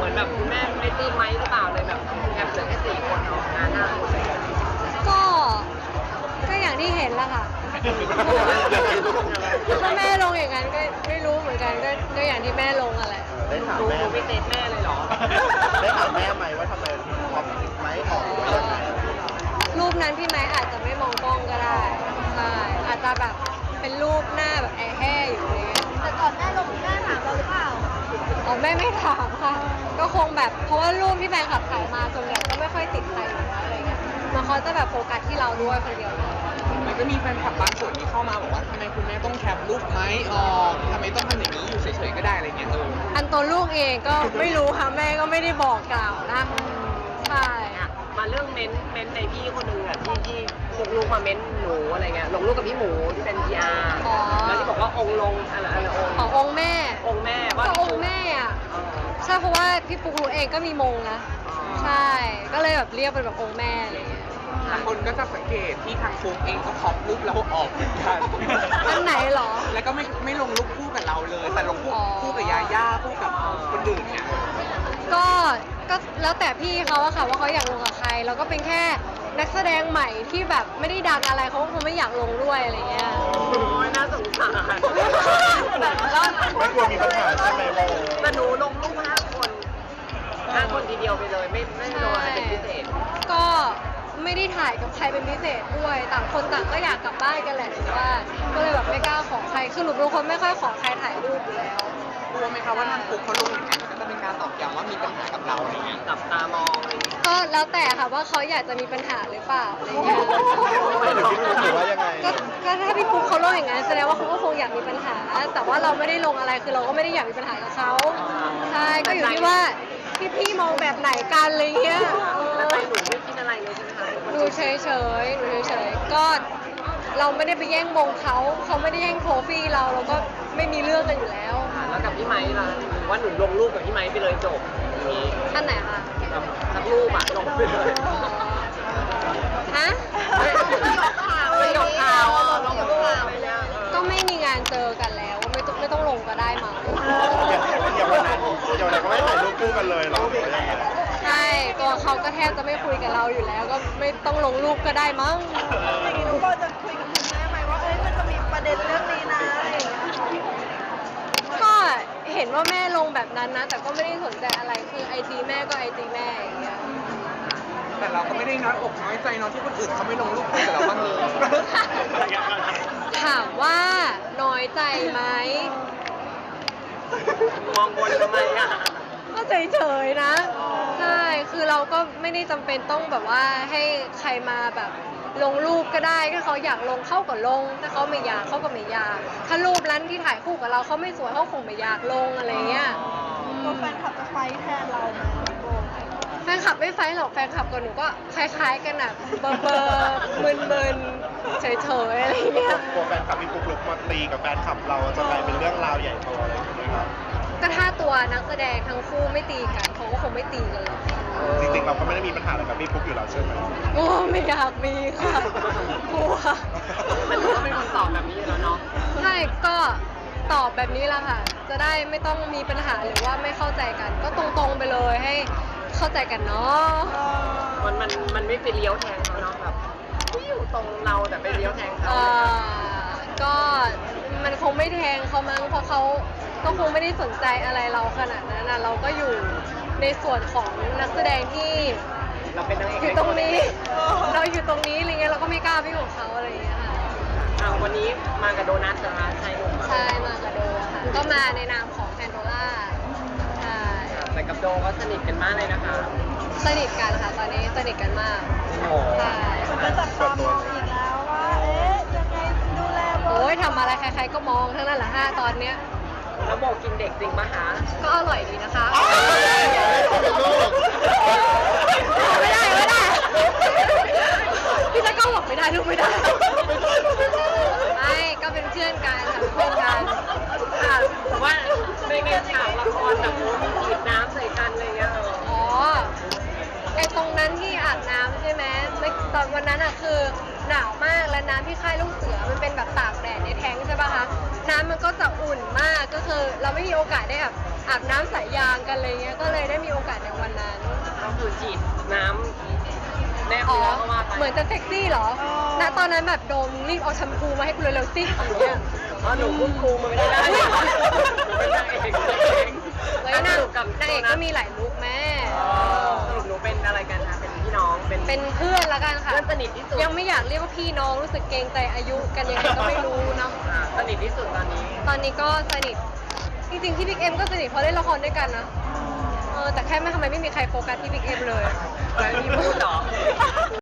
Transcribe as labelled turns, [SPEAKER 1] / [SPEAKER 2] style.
[SPEAKER 1] มือนแบบคุณแม่ไม่ปลื้มไหมหรือเปล่าเลยแบบแคปเหลือแค่4 คนเนาะงานหน้า
[SPEAKER 2] ก็อย่างที่เห็นละค่ะถ้าแม่ลงอย่างนั้นก็ไม่รู้เหมือนกันก็อย่างที่แม่ลงอะแหละ
[SPEAKER 3] ได้ถาม
[SPEAKER 1] ดู
[SPEAKER 3] แม่
[SPEAKER 1] ไม่เต็มแม่เลยเหรอ
[SPEAKER 3] ได้ถามแม่ไหมว่าทำไมพอไม้ออกหรือว่ายังไง
[SPEAKER 2] รูปนั้นพี่ไม้อาจจะไม่มองกล้องก็ได้ใช่อาจจะแบบเป็นรูปหน้าแบบแห่อยู่อะไรเงี้ย
[SPEAKER 4] แต่ก่อนแม่ลงแม่ถามเราหรือเปล่า
[SPEAKER 2] อ๋อแม่ไม่ถามค่ะ ก็คงแบบเพราะว่ารูปที่แฟนคลับถ่ายมาส่วนใหญ่ก็ไม่ค่อยติดใครอยู่แล้วอะไรเงี้ยมันเขาจะแบบโฟกัสที่เราด้วยคนเดียวเลย
[SPEAKER 5] มันก็มีแฟนคลับบางส่วนที่เข้ามาบอกว่าทำไมคุณแม่ต้องแคปรูปไม้ออกทำไมต้องทำอย่างนี้อยู่เฉยๆก็ได้อะไรเงี้ย
[SPEAKER 2] อันตัวลูกเองก็ไม่รู้ค่ะแม่ก็ไม่ได้บอกกล่าวนะใช่
[SPEAKER 1] มาเรื่องเม้นในพี่คนหนึ่งอะที่ลูกมาเม้นหนูอะไรเงี้ยลงรูปกับพี่หมูที่เป็น PR แล้วที่บอกว่าองค์ลงอะไรองค์
[SPEAKER 2] ขององค์แม่
[SPEAKER 1] องค์แม่ว่า
[SPEAKER 2] ก็องค์แม่อ่ะใช่เพราะว่าพี่ปุ๊กรู้เองก็มีมงนะใช่ก็เลยแบบเรียกเป็นแบบองค์แม่อะไรอย่างเงี้ย
[SPEAKER 5] คนก็จะสังเกตที่ทางฟุกเองก็คอปรูปเราออกเหมือนกัน
[SPEAKER 2] อันไหนเหรอ
[SPEAKER 5] แล้วก็ไม่ลงรูปคู่กับเราเลย แต่ลงคู่กับยาย่าคู่กับคนอื่นเนี่ย
[SPEAKER 2] ก็แล้วแต่พี่เขาอะค่ะว่าเขาอยากลงกับใครแล้วก็เป็นแค่นักแสดงใหม่ที่แบบไม่ได้ดังอะไรเขาก็คงไม่อยากลงด้วยอะไรเงี้ย
[SPEAKER 1] โอ้ยน่าสงสารแบบแล้ว
[SPEAKER 3] ไม่กลัวมีปัญหาใช่ไหมโม
[SPEAKER 1] แต่หนูลงรูป5 คนทีเดียวไปเลยไม่ลงอะไรเป็นพิเศษ
[SPEAKER 2] ก็ไม่ได้ถ่ายกับใครเป็นพิเศษด้วยต่างคนต่างก็อยากกลับบ้านกันแหละแต่ว่าก็เลยแบบไม่กล้าขอใครคือหนูเป็นคนไม่ค่อยขอใครถ่ายรูปอยู่แล้ว
[SPEAKER 5] กลัวไหมคะว่าทางฟุกเขาลงอย่างนั้นมันก็จะเป็นการตอกย้ำว่ามีปัญหากับเราอะไรเงี้ย
[SPEAKER 1] จับตามองอะไรอย่างเงี้ย
[SPEAKER 2] ก็แล้วแต่ค่ะว่าเขาอยากจะมีปัญหาหรือเปล่าอะไรเงี้ย
[SPEAKER 3] ไม่หรือพี่ปุ๊กหรือว่ายังไง
[SPEAKER 2] ก็ถ้าพี่ปุ๊กเขาลงอย่างนั้นแสดงว่าเขาก็คงอยากมีปัญหา แต่ว่าเราไม่ได้ลงอะไรคือเราก็ไม่ได้อยากมีปัญหากับเขาใช่ก็อยู่ที่ว่าพี่มองแบบไหนกันอะไรเงี้ย
[SPEAKER 1] แล้วใจหนูไม่คิดอะไรเลยใช่ไหมคะ
[SPEAKER 2] ดูเฉยๆก็เราไม่ได้ไปแย่งมงเขาไม่ได้แย่งโทฟี่เราก็ไม่มีเรื่องกันอยู่แล้ว
[SPEAKER 1] แล้วกับพี่ไม้ล่ะหรือว่าหนูลงรูปกับพี่ไม้ไปเลยจบอย่างนี้
[SPEAKER 2] ท่านไหนคะ
[SPEAKER 1] แบบสักรูปอะลงไปเลย
[SPEAKER 2] ฮะ
[SPEAKER 1] ไม่ยกข่าวลงรูปอะไรเนี่ย
[SPEAKER 2] ก็ไม่มีงานเจอกันแล้วไม่ต้องลงก็ได้มั้ง
[SPEAKER 3] อย่างวันนั้นก็ไม่ถ่ายรูปคู่กันเลยเหรอหรือว่ายังไง
[SPEAKER 2] ใช่ตัวเขาก็แทบจะไม่คุยกับเราอยู่แล้ว ก็ไม่ต้องลงรูปก็ได้มั้ง
[SPEAKER 4] อย่างนี้น้องโบจะคุยกับคุณแม่ไหมว่ามันจะมีประเด็นเรื่องนี้นะอะไรอย่างเงี้ย
[SPEAKER 2] ก็เห็นว่าแม่ลงแบบนั้นนะ แต่ก็ไม่ได้สนใจอะไรคือไอจีแม่ก็ไอจีแม่อย่างเงี้ย
[SPEAKER 5] แต่เราก็ไม่ได้น้อยอกน้อยใจเนอะที่คนอื่นเขาไม่ลงรูปคู่กับเราบ้างเลย
[SPEAKER 2] ถามว่าน้อยใจไหม
[SPEAKER 1] มองบนทำไมอะ
[SPEAKER 2] ก็เฉยๆนะใช่คือเราก็ไม่ได้จำเป็นต้องแบบว่าให้ใครมาแบบลงรูปก็ได้ถ้าเขาอยากลงเข้าก็ลงถ้าเขาไม่อยากเขาก็ไม่อยากถ้ารูปนั้นที่ถ่ายคู่กับเราเขาไม่สวยเขาคงไม่อยากลงอะไรเงี้ย
[SPEAKER 4] ตัวแฟนคลับจะไฟท์แทนเราไหมน้องโบ
[SPEAKER 2] แฟนคลับไม่ไฟท์หรอกแฟนคลับกับหนูก็คล้ายๆกันอะเบอร์มึนๆเฉยๆอะไรเงี้ย
[SPEAKER 3] กลัวแฟนคลับพี่ปุ๊กลุกมาตีกับแฟนคลับเราจะกลายเป็นเรื่องราวใหญ่โตอะไรอย่างเงี้ยครับ
[SPEAKER 2] ก็ถ้าตัวนักแสดงทั้งคู่ไม่ตีกันเขาก็คงไม่ตีกันหรอก
[SPEAKER 3] จริงๆเราก็ไม่ได้มีปัญหาอะไรกับพี่ปุ๊กอยู่แล้วใช่ไหม
[SPEAKER 2] โอ้ไม่อยากมีค่ะกลัว
[SPEAKER 1] มันก็เป็นคนตอบแบบนี้อยู่แล้วเนาะ
[SPEAKER 2] ใช่ก็ตอบแบบนี้แหละค่ะ จะได้ไม่ต้องมีปัญหาหรือว่าไม่เข้าใจกัน ก็ตรงๆไปเลยให้เข้าใจกันเนาะ
[SPEAKER 1] มันไม่ไปเลี้ยวแทงเขาเนาะแบบอยู่ตรงเราแต่ไปเลี้ยวแทงเขา
[SPEAKER 2] ก็มันคงไม่แทงเขามั้งเพราะเขาก็คงไม่ได้สนใจอะไรเราขนาดนั้นนะเราก็อยู่ในส่วนของนักแสดงที่
[SPEAKER 1] เราเป็นนางเอก
[SPEAKER 2] อยู่ตรงนี้ เราอยู่ตรงนี้อะไรเงี้ยเราก็ไม่กล้าไปของเขาอะไรอย่างเงี้ยค่ะ
[SPEAKER 1] วันนี้มากับโดนัทนะคะชายหนุ่ม
[SPEAKER 2] ใช่มากระโดค่ะก็มาในนามของแพนโดล่าใช่
[SPEAKER 1] แต่กับโดก็สนิทกันมากเลยนะคะ
[SPEAKER 2] สนิทกันค่ะตอนนี้สนิทกันมาก
[SPEAKER 1] โอ้
[SPEAKER 2] ใช่
[SPEAKER 4] มันก็จับตามองอีกแล้วว่า ยังไงดูแลโบ
[SPEAKER 2] โอ้ยทำอะไรใครๆก็มองทั้งนั้นแหละตอนเนี้ย
[SPEAKER 1] แล้วโบกินเด็กจริงปะคะ
[SPEAKER 2] ก็อร่อยดีนะคะ
[SPEAKER 3] ลูก
[SPEAKER 2] ไม่ได้พี่ตะก้องบอกไม่ได้ลูกไม่ได้ไม่ก็เป็นเพื่อนกันค่ะเป็นเพื่อนกัน
[SPEAKER 1] แต่ว่าในฉากละครแบบมีฉีดน้ำใส่กันอะไรเงี้ย
[SPEAKER 2] อ๋อไอตรงนั้นที่อาบน้ำใช่ไหมตอนวันนั้นอ่ะคือหนาวมากและน้ำที่ค่ายลูกเสือมันเป็นแบบตากแดดในแท้งใช่ป่ะคะน้ำมันก็จะอุ่นมากก็คือเราไม่มีโอกาสได้แบบอาบน้ำสายยางกันอะไรเงี้ยก็เลยได้มีโอกาส
[SPEAKER 1] ฉีดน้ำแนบเนื้อเข้ามาไป
[SPEAKER 2] เหมือนจะเซ็กซี่เหรอ ณ ตอนนั้นแบบโดมรีบเอาแชมพูมาให้กูเร็วๆสิอย่างเงี้ย
[SPEAKER 1] อ๋อหนูพูดครูมันไม่ได้หนูเป็นนางเอก
[SPEAKER 2] เฮ้ยนางเอกก็มีหลายลุคแม่
[SPEAKER 1] สรุปหนูเป็นอะไรกันคะเป็นพี่น้อง
[SPEAKER 2] เป็นเพื่อนละกันค่ะ
[SPEAKER 1] เพื่อนสนิทที่สุด
[SPEAKER 2] ยังไม่อยากเรียกว่าพี่น้องรู้สึกเกรงใจอายุกันยังไงก็ไม่รู้เนาะ
[SPEAKER 1] สนิทที่สุดตอนนี้
[SPEAKER 2] ตอนนี้ก็สนิท จริงๆที่บิ๊กเอ็มก็สนิทเพราะเล่นละครด้วยกันนะ แต่แค่ไม่ทำไมไม่มีใครโฟกัสที่บิ๊กเอ็มเลย
[SPEAKER 1] แล้วมีพูดเหรอ